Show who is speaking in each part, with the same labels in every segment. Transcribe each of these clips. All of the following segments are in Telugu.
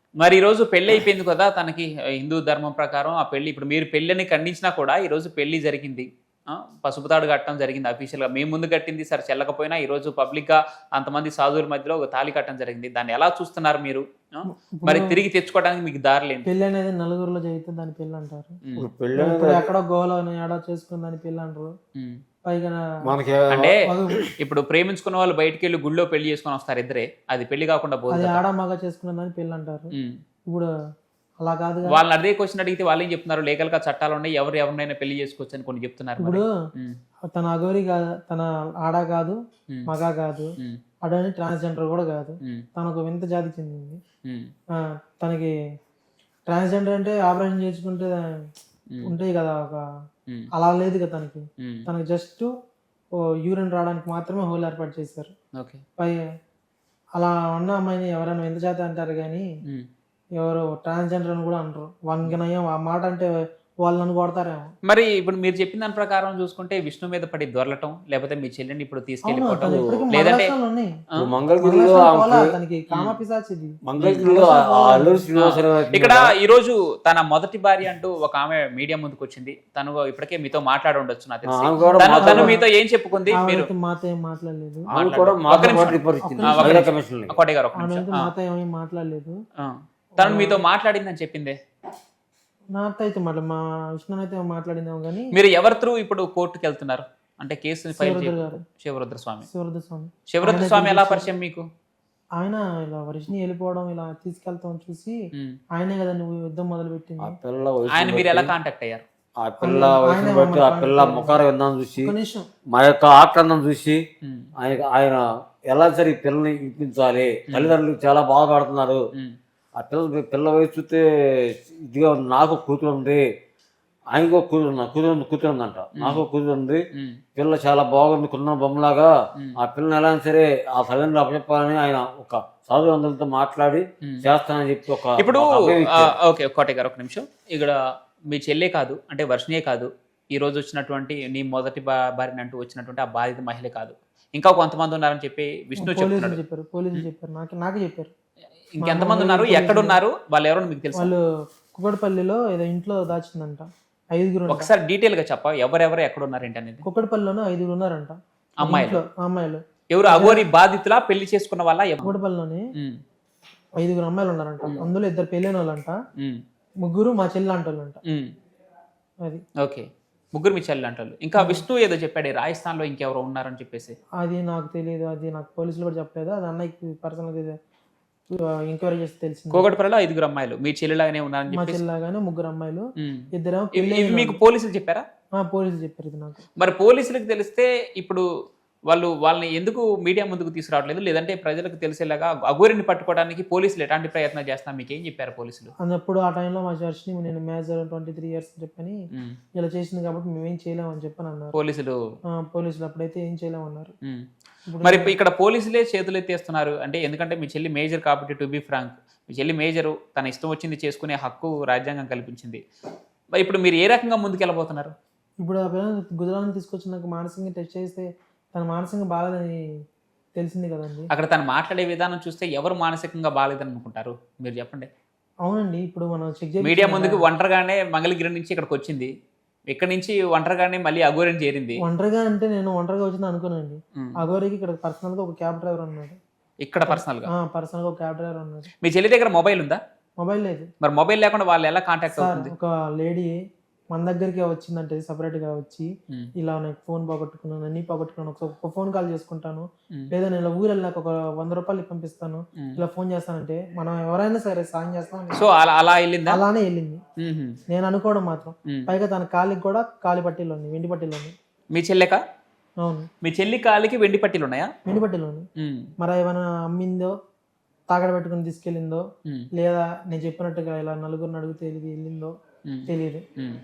Speaker 1: మరి ఈరోజు పెళ్లి అయిపోయింది కదా తనకి హిందూ ధర్మం ప్రకారం ఆ పెళ్లి ఇప్పుడు మీరు పెళ్ళిని ఖండించినా కూడా ఈరోజు పెళ్లి జరిగింది. పసుపు తాడు కట్టడం జరిగింది అఫీషియల్‌గా. మేము ముందు కట్టింది సరే చెల్లకపోయినా ఈరోజు పబ్లిక్‌గా అంతమంది సాధువుల మధ్యలో ఒక తాళి కట్టడం జరిగింది. దాన్ని ఎలా చూస్తున్నారు మీరు? ఆ! మరి
Speaker 2: ఇప్పుడు
Speaker 1: తిరిగి తెచ్చుకోవడానికి మీకు దారులేంటి?
Speaker 2: పెళ్లి అనేది నలుగురిలో జరిగితే దాన్ని పెళ్లి అంటారు.
Speaker 1: హ్మ్.
Speaker 3: ఇప్పుడు పెళ్ళి
Speaker 2: ఇప్పుడు ఎక్కడో గోవాలోనో ఏడో చేసుకుని దాన్ని పెళ్లి అంటారు.
Speaker 1: హ్మ్.
Speaker 2: పైగా
Speaker 3: మనకి
Speaker 1: అంటే
Speaker 2: మగ-
Speaker 1: ఇప్పుడు ప్రేమించుకున్న వాళ్ళు బయటికెళ్ళి గుడిలో పెళ్లి చేసుకొని వస్తారు ఇద్దరే. అది పెళ్లి కాకుండా పోదు
Speaker 2: అది
Speaker 1: కదా!
Speaker 2: ఆడ మగ చేసుకున్న దాన్ని పెళ్లి అంటారు.
Speaker 1: హ్మ్.
Speaker 2: ఇప్పుడు అలా కాదుగా.
Speaker 1: వాళ్ళని అదే క్వెషన్ అడిగితే వాళ్ళేం చెప్తున్నారు? లీగల్‌గా చట్టాలున్నాయి. ఎవరు ఎవరినైనా పెళ్లి చేసుకోవచ్చు అని కొన్ని చెప్తున్నారు మరి.
Speaker 2: ఇప్పుడు
Speaker 1: హ్మ్.
Speaker 2: తన అఘోరి కాదు, తన ఆడ కాదు,
Speaker 1: హ్మ్.
Speaker 2: మగ కాదు,
Speaker 1: హ్మ్.
Speaker 2: అడని ట్రాన్స్జెండర్ కూడా కాదు.
Speaker 1: హ్మ్.
Speaker 2: తనకు వింత జాతికి చెందింది.
Speaker 1: హ్మ్.
Speaker 2: తనకి ట్రాన్స్జెండర్ అంటే ఆపరేషన్ చేసుకుంటే
Speaker 1: హ్మ్.
Speaker 2: ఉంటాయి కదా ఒక
Speaker 1: హ్మ్.
Speaker 2: అలా లేదు కదా తనకి.
Speaker 1: హ్మ్.
Speaker 2: తనకి జస్ట్ యూరిన్ రావడానికి మాత్రమే హోల్ ఏర్పాటు చేశారు.
Speaker 1: ఓకే.
Speaker 2: పై అలా ఉన్న అమ్మాయిని ఎవరైనా వింత జాతి అంటారు కానీ
Speaker 1: హ్మ్.
Speaker 2: ఎవరు ట్రాన్స్జెండర్ అని కూడా అనరు. వానికి నయం ఆ మాట అంటే వాళ్ళు నన్ను కొడతారేమో.
Speaker 1: మరి ఇప్పుడు మీరు చెప్పిన దాని ప్రకారం చూసుకుంటే విష్ణు మీద పడి దొర్లటం, లేకపోతే మీ చెల్లిని ఇప్పుడు
Speaker 2: అవును,
Speaker 1: తీసుకెళ్ళిపోవటం,
Speaker 2: తను ఇప్పటికీ
Speaker 1: లేదంటే
Speaker 2: మగలక్షణాలు ఉన్నాయి.
Speaker 1: ఆ?
Speaker 3: ఇప్పుడు మంగళగిరిలో
Speaker 2: మగలక్షణాలు పోలా,
Speaker 3: ఆమెకి
Speaker 2: తనకి కామ పిశాచిది.
Speaker 3: మంగళగిరిలో ఆ అల్లూరి శ్రీనివాసరావు గారి
Speaker 1: ఇక్కడ
Speaker 3: మీద
Speaker 1: ఈరోజు తన మొదటి భార్య అంటూ ఒక ఆమె మీడియా ముందుకు వచ్చింది. తను ఇప్పటికే మీతో మాట్లాడి ఉండొచ్చు నాకు తెలిసి.
Speaker 3: ఆమె కూడా
Speaker 1: తను
Speaker 3: మాతో
Speaker 1: మీతో ఏం చెప్పుకుంది? మీరు
Speaker 2: ఆమె మాతో ఏం మాట్లాడలేదు.
Speaker 3: ఆమె కూడా
Speaker 1: ఒక్క
Speaker 3: మాతో
Speaker 1: నిమిషం.
Speaker 3: పాటు రిపోర్ట్ ఇచ్చింది
Speaker 2: ఒక్క
Speaker 3: మహిళా
Speaker 1: నిమిషం.
Speaker 3: కమిషన్
Speaker 1: కోటయ్య గారు ఒక్క
Speaker 2: ఆమె
Speaker 1: నిమిషం.
Speaker 2: అయితే మాతో ఏమీ మాట్లాడలేదు.
Speaker 1: తను మీతో మాట్లాడిందని చెప్పిందే.
Speaker 2: నాతో అయితే మా విష్ణు అయితే మాట్లాడిందేమో కానీ
Speaker 1: మీరు ఎవరి త్రూ ఇప్పుడు కోర్టుకి వెళ్తున్నారు? అంటే కేసుని ఫైల్
Speaker 2: శివరుద్ర గారు,
Speaker 1: శివరుద్ర స్వామి.
Speaker 2: శివరుద్ర స్వామి.
Speaker 1: శివరుద్ర స్వామి ఎలా పరిచయం మీకు?
Speaker 2: ఆయన ఇలా వర్షిని వెళ్ళిపోవడం ఇలా తీసుకెళ్తాం చూసి
Speaker 1: ఉమ్.
Speaker 2: ఆయనే కదా నువ్వు యుద్ధం మొదలు
Speaker 3: ఆ
Speaker 2: పెట్టింది.
Speaker 3: పిల్ల
Speaker 1: ఆయన
Speaker 3: వయసును
Speaker 1: మీరు ఎలా
Speaker 3: బట్టి
Speaker 1: కాంటాక్ట్ అయ్యారు?
Speaker 3: ఆ పిల్ల వయసును
Speaker 2: ఆయనే
Speaker 3: బట్టి ఆ
Speaker 2: మమ్మల్ని
Speaker 3: పిల్ల
Speaker 2: కాంటాక్ట్
Speaker 3: ముఖార విందాం చూసి
Speaker 2: ఒక నిమిషం.
Speaker 3: మా యొక్క ఆక్రందం చూసి
Speaker 1: ఉమ్.
Speaker 3: ఆయన ఎలా సరే ఈ పిల్లని ఇప్పించాలి, తల్లిదండ్రులు చాలా బాధపడుతున్నారు.
Speaker 1: ఉమ్.
Speaker 3: ఆ పిల్ల వయసు చూస్తే ఇదిగా ఉంది. నాకు కూతురు ఉంది, ఆయనకు కూతురు ఉందంట, నాకు కూతురు ఉంది.
Speaker 1: ఉమ్.
Speaker 3: పిల్ల చాలా బాగుంది, కున్న బొమ్మలాగా.
Speaker 1: ఉమ్.
Speaker 3: ఆ పిల్లని ఎలా అయినా సరే ఆ తల్లిదండ్రులు అప్పచెప్పాలని ఆయన ఒక సాధువంతులతో మాట్లాడి చేస్తానని చెప్పి ఒక
Speaker 1: ఇప్పుడు
Speaker 3: ఒక అభయం ఇచ్చారు.
Speaker 1: ఓకే కోటయ్య గారు ఒక నిమిషం. ఇక్కడ మీ చెల్లే కాదు అంటే వర్షిణే కాదు, ఈ రోజు వచ్చినటువంటి నీ మొదటి భార్యని అంటూ వచ్చినటువంటి ఆ బాధిత మహిళే కాదు, ఇంకా కొంతమంది ఉన్నారని చెప్పి విష్ణు
Speaker 2: పోలీసులు
Speaker 1: చెప్తున్నాడు.
Speaker 2: చెప్పారు, పోలీసులు చెప్పారు, నాకు చెప్పారు.
Speaker 1: ఇంకెంతమంది ఉన్నారు? ఎక్కడున్నారు? వాళ్ళు ఎవరో మీకు తెలుసు?
Speaker 2: వాళ్ళు కుక్కడపల్లిలో ఏదో ఇంట్లో దాచిందంట. 5
Speaker 1: ఒకసారి డీటెయిల్ గా చెప్ప ఎవరెవరు ఎక్కడ ఉన్నారు ఏంటి అనేది.
Speaker 2: కుక్కడపల్లిలోనే 5 ఉన్నారంట
Speaker 1: అమ్మాయిలు?
Speaker 2: ఇంట్లో, అమ్మాయిలు.
Speaker 1: ఎవరు అఘోరి బాధితులా, పెళ్లి చేసుకున్న వాళ్ళ?
Speaker 2: కుక్కడపల్లిలోనే 5 అమ్మాయిలు ఉన్నారంట. అందులో 2 పెళ్ళైన వాళ్ళంట, 3 మా చెల్లి అంటోళ్ళంట. అది
Speaker 1: ఓకే, ముగ్గురు మీ చెల్లి అంటారు. ఇంకా విష్ణు ఏదో చెప్పాడు రాజస్థాన్ లో ఇంకెవరో ఉన్నారని చెప్పేసి.
Speaker 2: అది నాకు తెలియదు, అది నాకు పోలీసులు కూడా చెప్పలేదు. అది అన్నయ్యకి పర్సనల్గా ఎంక్వైరీ చేస్తే తెలిసింది.
Speaker 1: కోగటపల్లిలో 5 అమ్మాయిలు మీ చెల్లిలాగానే ఉన్నారని
Speaker 2: మా
Speaker 1: చెప్పేసి.
Speaker 2: చెల్లిలాగానే 3 అమ్మాయిలు,
Speaker 1: ఉమ్.
Speaker 2: 2
Speaker 1: ఇవి మీకు పోలీసులు చెప్పారా?
Speaker 2: పోలీసులు చెప్పారు ఇది నాకు.
Speaker 1: మరి పోలీసులకు తెలిస్తే ఇప్పుడు వాళ్ళని ఎందుకు మీడియా ముందుకు తీసుకురావట్లేదు? లేదంటే ప్రజలకు తెలిసేలాగా అఘోరిని పట్టుకోవడానికి పోలీసులు ఎలాంటి ప్రయత్నం చేస్తున్నారు? మీకు ఏం చెప్పారు పోలీసులు?
Speaker 2: అన్నప్పుడు ఆ టైంలో మా చర్చ్ని నేను మేజర్ 23 ఇయర్స్ చెప్పని ఇలా చేసింది కాబట్టి మేమేం చేయలేమని చెప్పని అన్నారు
Speaker 1: పోలీసులు.
Speaker 2: పోలీసులు అప్పుడైతే ఏం చేయలేమన్నారు.
Speaker 1: మరి ఇక్కడ పోలీసులే చేతులు ఎత్తేస్తున్నారు అంటే, ఎందుకంటే మీ చెల్లి మేజర్ కాబట్టి, టు బి ఫ్రాంక్ మీ చెల్లి మేజరు, తన ఇష్టం వచ్చింది చేసుకునే హక్కు రాజ్యాంగం కల్పించింది. మరి ఇప్పుడు మీరు ఏ రకంగా ముందుకెళ్ళబోతున్నారు?
Speaker 2: ఇప్పుడు ఆ పిల్లలు గుజరాత్ తీసుకొచ్చి నాకు మానసికంగా టెస్ట్ చేస్తే తన మానసికంగా బాగాలేదని తెలిసింది కదండి.
Speaker 1: అక్కడ తను మాట్లాడే విధానం చూస్తే ఎవరు మానసికంగా బాగాలేదని అనుకుంటారు మీరు చెప్పండి.
Speaker 2: అవునండి, ఇప్పుడు మనం చెక్ చేసి
Speaker 1: మీడియా ముందుకు ఒంటరిగానే మంగళగిరి నుంచి ఇక్కడికి వచ్చింది, ఇక్కడి నుంచి ఒంటరిగానే మళ్ళీ అఘోరిని చేరింది.
Speaker 2: ఒంటరిగా అంటే నేను ఒంటరిగా వచ్చింది అనుకోనండి. అఘోరికి ఇక్కడ పర్సనల్ గా ఒక క్యాబ్ డ్రైవర్ ఉన్నాడు.
Speaker 1: ఇక్కడ పర్సనల్ గా
Speaker 2: పర్సనల్ గా ఒక క్యాబ్ డ్రైవర్ ఉన్నాడు.
Speaker 1: మీ చెల్లి దగ్గర మొబైల్ ఉందా?
Speaker 2: మొబైల్ లేదు.
Speaker 1: మరి మొబైల్ లేకుండా వాళ్ళు ఎలా కాంటాక్ట్ అవుతుంది?
Speaker 2: ఒక లేడీ మన దగ్గరికి వచ్చిందంటే సపరేట్ గా వచ్చి ఇలా నాకు ఫోన్ పోగొట్టుకున్నాను, అన్ని పోగొట్టుకున్నాను, ఒక ఫోన్ కాల్ చేసుకుంటాను, లేదా నేను ఇలా ఊరు వెళ్ళాక ఒక 100 రూపాయలు పంపిస్తాను, ఇలా ఫోన్ చేస్తానంటే మనం ఎవరైనా సరే సాయం చేస్తాం.
Speaker 1: సో అలా వెళ్ళిందా?
Speaker 2: అలానే వెళ్ళింది నేను అనుకోవడం మాత్రం. పైగా తన కాలికి కూడా కాలి పట్టీలు ఉన్నాయి, వెండి పట్టీలు ఉన్నాయి.
Speaker 1: మీ చెల్లెక?
Speaker 2: అవును,
Speaker 1: మీ చెల్లి కాలికి వెండి పట్టీలు ఉన్నాయా?
Speaker 2: వెండి పట్టీలు ఉన్నాయి. మరి ఏమైనా అమ్మిందో, తాగడ పెట్టుకుని తీసుకెళ్ళిందో, లేదా నేను చెప్పినట్టుగా ఇలా నలుగురిని అడిగితే వెళ్ళిందో తెలియదు.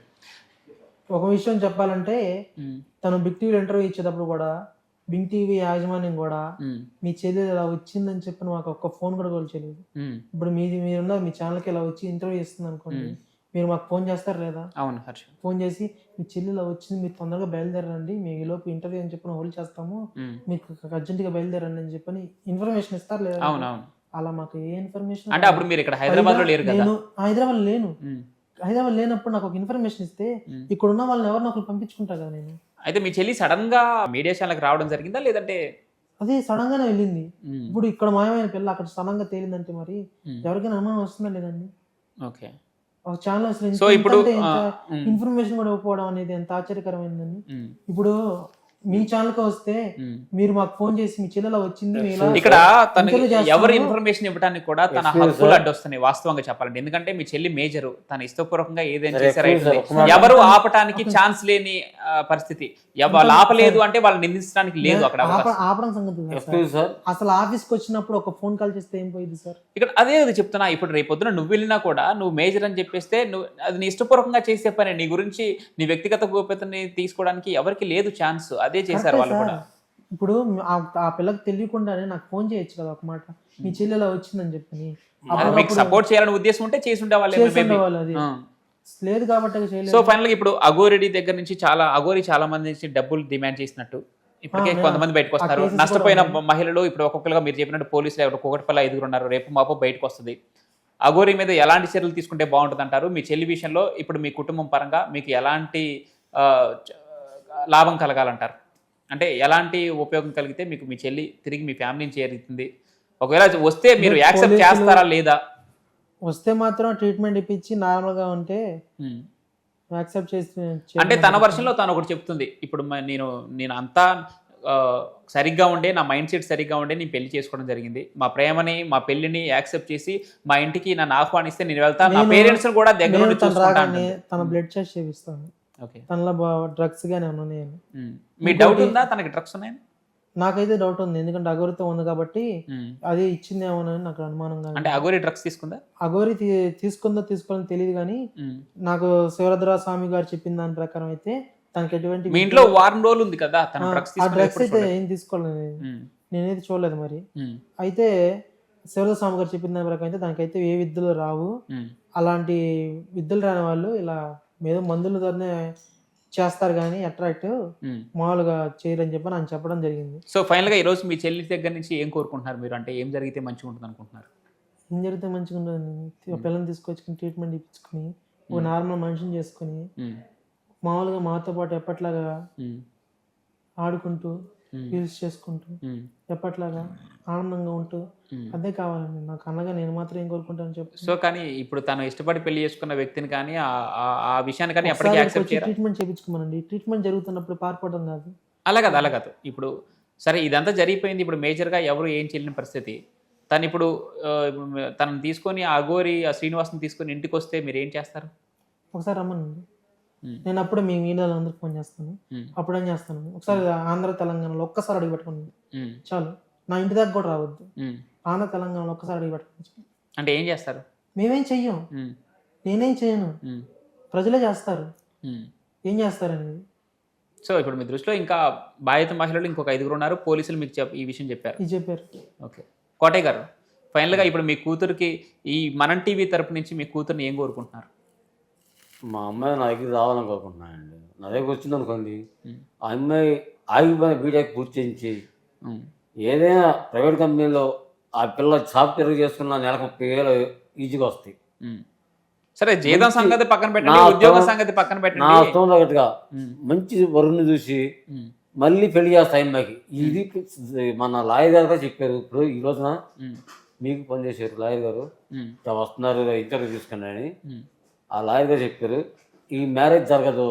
Speaker 2: ఒక విషయం చెప్పాలంటే తను బిగ్ టీవీ ఇంటర్వ్యూ ఇచ్చేటప్పుడు కూడా బిగ్ టీవీ యాజమాన్యం కూడా మీ చెల్లి ఇలా వచ్చిందని చెప్పి మాకు ఒక్క ఫోన్ కూడా చేయలేదు. ఇప్పుడు మీరున్న మీ ఛానల్కి ఇలా వచ్చి ఇంటర్వ్యూ ఇస్తుంది అనుకోండి, మీరు మాకు ఫోన్ చేస్తారు లేదా?
Speaker 1: అవును హర్ష.
Speaker 2: ఫోన్ చేసి మీ చెల్లి ఇలా వచ్చింది, మీరు తొందరగా బయలుదేరండి, మేము ఈ లోపు ఇంటర్వ్యూ అని చెప్పి హోల్డ్ చేస్తాము, మీకు అర్జెంటుగా బయలుదేరండి అని చెప్పని ఇన్ఫర్మేషన్ ఇస్తారు లేదా?
Speaker 1: అవునవును.
Speaker 2: అలా మాకు ఏ ఇన్ఫర్మేషన్
Speaker 1: అంటే అప్పుడు మీరు ఇక్కడ హైదరాబాద్ లో లేరు కదా?
Speaker 2: నేను హైదరాబాద్ లేను.
Speaker 1: ఉమ్,
Speaker 2: హైదరాబాద్ లేనప్పుడు నాకు ఒక ఇన్ఫర్మేషన్ ఇస్తే
Speaker 1: ఉమ్.
Speaker 2: ఇక్కడ ఉన్న వాళ్ళని ఎవరిని ఒకరు పంపించుకుంటా కదా నేను.
Speaker 1: అయితే మీ చెల్లి సడన్ గా మీడియా ఛానల్కి రావడం జరిగిందా లేదంటే?
Speaker 2: అదే సడన్ గానే వెళ్ళింది.
Speaker 1: ఉమ్,
Speaker 2: ఇప్పుడు ఇక్కడ మాయమైన పిల్ల అక్కడ సడన్ గా తేలిందంటే మరి
Speaker 1: ఉమ్,
Speaker 2: ఎవరికైనా అనుమానం వస్తుందా లేదండి?
Speaker 1: ఓకే.
Speaker 2: ఒక ఛానల్ అసలు
Speaker 1: సో ఇప్పుడు ఉమ్,
Speaker 2: ఇన్ఫర్మేషన్ కూడా ఇవ్వకపోవడం అనేది ఎంత ఆశ్చర్యకరమైందండి.
Speaker 1: ఉమ్,
Speaker 2: ఇప్పుడు మీ ఛానల్కి వస్తే
Speaker 1: ఉమ్.
Speaker 2: మీరు మాకు ఫోన్ చేసి మీ చెల్లెలా వచ్చింది మీ ఇలా
Speaker 1: ఇక్కడ తనకి
Speaker 2: ఇంటర్వ్యూ చేస్తాను.
Speaker 1: ఎవరు ఇన్ఫర్మేషన్ ఇవ్వడానికి కూడా తన
Speaker 3: Excuse
Speaker 1: హక్కులు
Speaker 3: sir.
Speaker 1: అడ్డొస్తున్నాయి వాస్తవంగా చెప్పాలంటే. ఎందుకంటే మీ చెల్లి మేజరు, తన ఇష్టపూర్వకంగా ఏదైనా
Speaker 3: Sir,
Speaker 1: చేశారు
Speaker 3: excuse sir,
Speaker 1: అవుతుంది.
Speaker 3: ఒక మాట.
Speaker 1: ఎవరు ఆపటానికి ఛాన్స్ లేని పరిస్థితి. వాళ్ళు ఆపలేదు అంటే వాళ్ళు నిందించడానికి లేదు అక్కడ అవకాశం.
Speaker 2: ఆపడం సంగతి కాదు సార్.
Speaker 3: ఎక్స్క్యూజ్ సార్,
Speaker 2: అసలు ఆఫీస్కి వచ్చినప్పుడు ఒక ఫోన్ కాల్ చేస్తే ఏం పోయింది సార్?
Speaker 1: ఇక్కడ అదే అది చెప్తున్నా. ఇప్పుడు రేపొద్దున నువ్వు వెళ్ళినా కూడా నువ్వు మేజర్ అని చెప్పేస్తే నువ్వు అది నీ ఇష్టపూర్వకంగా చేసే పని. నీ గురించి నీ వ్యక్తిగత గోప్యతని తీసుకోవడానికి ఎవరికి లేదు ఛాన్స్. అదే చేశారు వాళ్ళు కూడా.
Speaker 2: ఇప్పుడు ఆ పిల్లకి తెలియకుండానే నాకు ఫోన్ చేయొచ్చు కదా ఒక మాట, మీ చెల్లి ఇలా వచ్చిందని చెప్పని.
Speaker 1: మీకు సపోర్ట్ చేయాలని ఉద్దేశం ఉంటే చేసి ఉండేవాళ్ళు.
Speaker 2: చేసేవాళ్ళు, అది లేదు కాబట్టి చేయలేదు.
Speaker 1: సో ఫైనల్ గా ఇప్పుడు అఘోరెడ్డి దగ్గర నుంచి అఘోరి చాలా మంది నుంచి డబ్బులు డిమాండ్ చేసినట్టు ఇప్పటికే కొంతమంది బయటకు వస్తారు.
Speaker 2: cases
Speaker 1: నష్టపోయిన
Speaker 2: కూడా
Speaker 1: మహిళలు ఇప్పుడు ఒక్కొక్కరుగా మీరు చెప్పినట్టు పోలీసులు ఒక్కొక్కటిపల్ల 5 ఉన్నారు. రేపు మాపు బయటకు వస్తుంది. అఘోరి మీద ఎలాంటి చర్యలు తీసుకుంటే బాగుంటుంది అంటారు? మీ చెల్లి విషయంలో ఇప్పుడు మీ కుటుంబం పరంగా మీకు ఎలాంటి లాభం కలగాలంటారు? అంటే ఎలాంటి ఉపయోగం కలిగితే మీకు మీ చెల్లి తిరిగి మీ ఫ్యామిలీని చేరుతుంది? ఒకవేళ వస్తే మీరు యాక్సెప్ట్ చేస్తారా లేదా?
Speaker 2: వస్తే మాత్రం ట్రీట్మెంట్ ఇప్పించి నార్మల్ గా ఉంటే యాక్సెప్ట్ చేసి
Speaker 1: అంటే తన వర్షంలో తను ఒకటి చెప్తుంది. ఇప్పుడు నేను అంతా సరిగ్గా ఉండే, నా మైండ్ సెట్ సరిగ్గా ఉండే నేను పెళ్లి చేసుకోవడం జరిగింది. మా ప్రేమని మా పెళ్లిని యాక్సెప్ట్ చేసి మా ఇంటికి నన్ను ఆహ్వానిస్తే నేను వెళ్తాను. నా పేరెంట్స్ కూడా దగ్గర నుండి చూసుకుంటాను.
Speaker 2: తన బ్లడ్ టెస్ట్ చేపిస్తాను.
Speaker 1: ఓకే.
Speaker 2: తనలో డ్రగ్స్ గానే ఉన్నాయని.
Speaker 1: మీ డౌట్ ఉందా తనకి డ్రగ్స్ ఉన్నాయని?
Speaker 2: నాకైతే డౌట్ ఉంది, ఎందుకంటే అఘోరితో ఉంది కాబట్టి అది ఇచ్చిందేమోనని నాకు అనుమానంగా.
Speaker 1: అంటే అఘోరి డ్రగ్స్ తీసుకుందా?
Speaker 2: అఘోరి తీసుకుందో తీసుకోవాలని తెలియదు కానీ నాకు శివరుద్ర స్వామి గారు చెప్పిన దాని ప్రకారం అయితే తనకి ఎటువంటి
Speaker 1: మీ ఇంట్లో వారం రోజులు ఉంది కదా, తన డ్రగ్స్
Speaker 2: ఆ డ్రగ్స్ అయితే ఏం తీసుకోలేదు, నేనైతే చూడలేదు. మరి అయితే శివరుద్ర స్వామి గారు చెప్పిన దాని ప్రకారం అయితే దానికైతే ఏ విద్యలు రావు, అలాంటి విద్యలు రాని వాళ్ళు ఇలా ఏదో మందులతోనే చేస్తారు కానీ అట్రాక్ట్ మామూలుగా చేయరని చెప్పి నాకు చెప్పడం జరిగింది.
Speaker 1: సో ఫైనల్ గా ఈ రోజు మీ చెల్లి దగ్గర నుంచి ఏం కోరుకుంటున్నారు మీరు? అంటే ఏం జరిగితే మంచిగా ఉంటుంది అనుకుంటున్నారు?
Speaker 2: ఏం జరిగితే మంచిగా ఉంటుంది, పిల్లల్ని తీసుకొచ్చుకుని ట్రీట్మెంట్ ఇప్పించుకుని ఒక నార్మల్ మనిషిని చేసుకుని మామూలుగా మాతో పాటు ఎప్పట్లాగా ఆడుకుంటూ యూజ్ చేసుకుంటూ ఎప్పట్లాగా ఆనందంగా ఉంటూ అదే కావాలండి నాకు. అన్నగా నేను మాత్రం ఏం కోరుకుంటాను చెప్పు.
Speaker 1: సో కానీ ఇప్పుడు తను ఇష్టపడి పెళ్లి చేసుకున్న వ్యక్తిని కానీ ఆ విషయాన్ని కానీ ఎప్పటికీ యాక్సెప్ట్ చేయరా?
Speaker 2: ట్రీట్మెంట్ చేయించుకోమనండి. ట్రీట్మెంట్ జరుగుతున్నప్పుడు పారిపోవడం కాదు.
Speaker 1: అలా కాదు. ఇప్పుడు సరే ఇదంతా జరిగిపోయింది. ఇప్పుడు మేజర్గా ఎవరు ఏం చేయలేని పరిస్థితి. తను ఇప్పుడు తనని తీసుకొని ఆ అఘోరి ఆ శ్రీనివాస్ని తీసుకొని ఇంటికి వస్తే మీరు ఏం చేస్తారు?
Speaker 2: ఒకసారి రమ్మనండి, నేను అప్పుడే మీ మీడియాలో అందరికి ఫోన్ చేస్తాను. అప్పుడు ఏం చేస్తాను, ఒకసారి ఆంధ్ర తెలంగాణలో ఒక్కసారి అడిగి పెట్టుకోండి చాలు. నా ఇంటి దగ్గర కూడా రావద్దు. ఆంధ్ర తెలంగాణలో ఒక్కసారి అడిగి పెట్టుకోండి.
Speaker 1: అంటే ఏం చేస్తారు?
Speaker 2: మేమేం చెయ్యం, నేనేం చేయను, ప్రజలే చేస్తారు. ఏం చేస్తారనేది.
Speaker 1: సో ఇప్పుడు మీ దృష్టిలో ఇంకా బాధిత మహిళలు ఇంకొక 5 ఉన్నారు. పోలీసులు మీకు ఈ విషయం చెప్పారు. ఓకే. కోటయ్య గారు, ఫైనల్గా ఇప్పుడు మీ కూతురికి ఈ మనం టీవీ తరపు నుంచి మీ కూతుర్ని ఏం కోరుకుంటున్నారు?
Speaker 3: మా అమ్మాయి నా దగ్గర రావాలని కోరుకుంటున్నానండి. నా దగ్గర వచ్చింది అనుకోండి, ఆ అమ్మాయి ఆగిపోయిన బీటెక్ పూర్తి చేయించి ఏదైనా ప్రైవేట్ కంపెనీలో ఆ పిల్ల సాఫ్ట్వేర్ చేసుకున్న నెలకు 30,000 ఈజీగా వస్తాయి.
Speaker 1: సరే జీతం సంగతి పక్కన పెట్టండి, ఉద్యోగం సంగతి పక్కన పెట్టండి.
Speaker 3: నా అర్థం తగ్గట్టుగా మంచి వరుణ్ణి చూసి మళ్ళీ పెళ్లి చేస్తా అమ్మాయికి. ఇది మన లాయర్ గారు కూడా చెప్పారు. ఇప్పుడు ఈ రోజున మీకు పనిచేసారు లాయర్ గారు, వస్తున్నారు ఇంటర్వ్యూ తీసుకుని అని. ఆ లాయర్ గారు చెప్పారు ఈ మ్యారేజ్ జరగదు,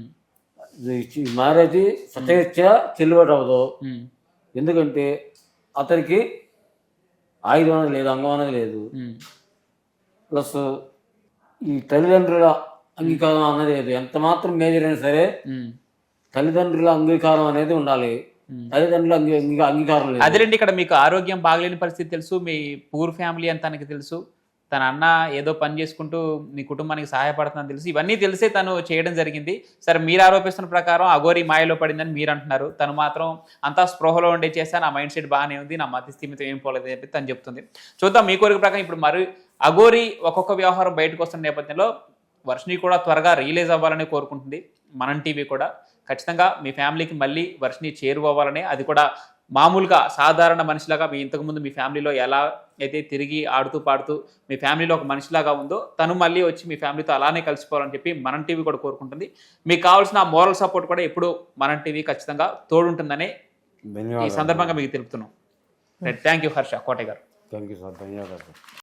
Speaker 3: ఈ మ్యారేజ్ సత్యరీత్యా చెల్లుబాటు అవ్వదు. ఎందుకంటే అతనికి ఆయుధం అనేది లేదు, అంగం అనేది లేదు, ప్లస్ ఈ తల్లిదండ్రుల అంగీకారం అనేది లేదు. ఎంత మాత్రం మేజర్ అయినా సరే తల్లిదండ్రుల అంగీకారం అనేది ఉండాలి. తల్లిదండ్రుల అంగీకారం లేదు.
Speaker 1: అదేంటి ఇక్కడ మీకు ఆరోగ్యం బాగలేని పరిస్థితి తెలుసు, మీ పూర్ ఫ్యామిలీ అని తనకి తెలుసు, తన అన్న ఏదో పని చేసుకుంటూ మీ కుటుంబానికి సహాయపడుతుందని తెలుసు, ఇవన్నీ తెలిసే తను చేయడం జరిగింది. సరే మీరు ఆరోపిస్తున్న ప్రకారం అఘోరి మాయలో పడిందని మీరు అంటున్నారు. తను మాత్రం అంతా స్పృహలో ఉండే చేస్తా, నా మైండ్ సెట్ బాగానే ఉంది, నా మతి స్థిమితం ఏం పోలేదు అని చెప్పి తను చెప్తుంది. చూద్దాం మీ కోరిక ప్రకారం. ఇప్పుడు మరి అఘోరి ఒక్కొక్క వ్యవహారం బయటకు వస్తున్న నేపథ్యంలో వర్షిని కూడా త్వరగా రిలీజ్ అవ్వాలని కోరుకుంటుంది. మనం టీవీ కూడా ఖచ్చితంగా మీ ఫ్యామిలీకి మళ్ళీ వర్షిని చేరువవ్వాలని, అది కూడా మామూలుగా సాధారణ మనిషిలాగా మీ ఇంతకుముందు మీ ఫ్యామిలీలో ఎలా అయితే తిరిగి ఆడుతూ పాడుతూ మీ ఫ్యామిలీలో ఒక మనిషిలాగా ఉందో తను మళ్ళీ వచ్చి మీ ఫ్యామిలీతో అలానే కలిసిపోవాలని చెప్పి మనం టీవీ కూడా కోరుకుంటుంది. మీకు కావాల్సిన మోరల్ సపోర్ట్ కూడా ఎప్పుడు మనం టీవీ ఖచ్చితంగా తోడుంటుందనే ఈ సందర్భంగా మీకు తెలుపుతున్నాం. థ్యాంక్ యూ హర్ష కోటయ్య గారు.
Speaker 3: థ్యాంక్ యూ సార్, ధన్యవాదాలు.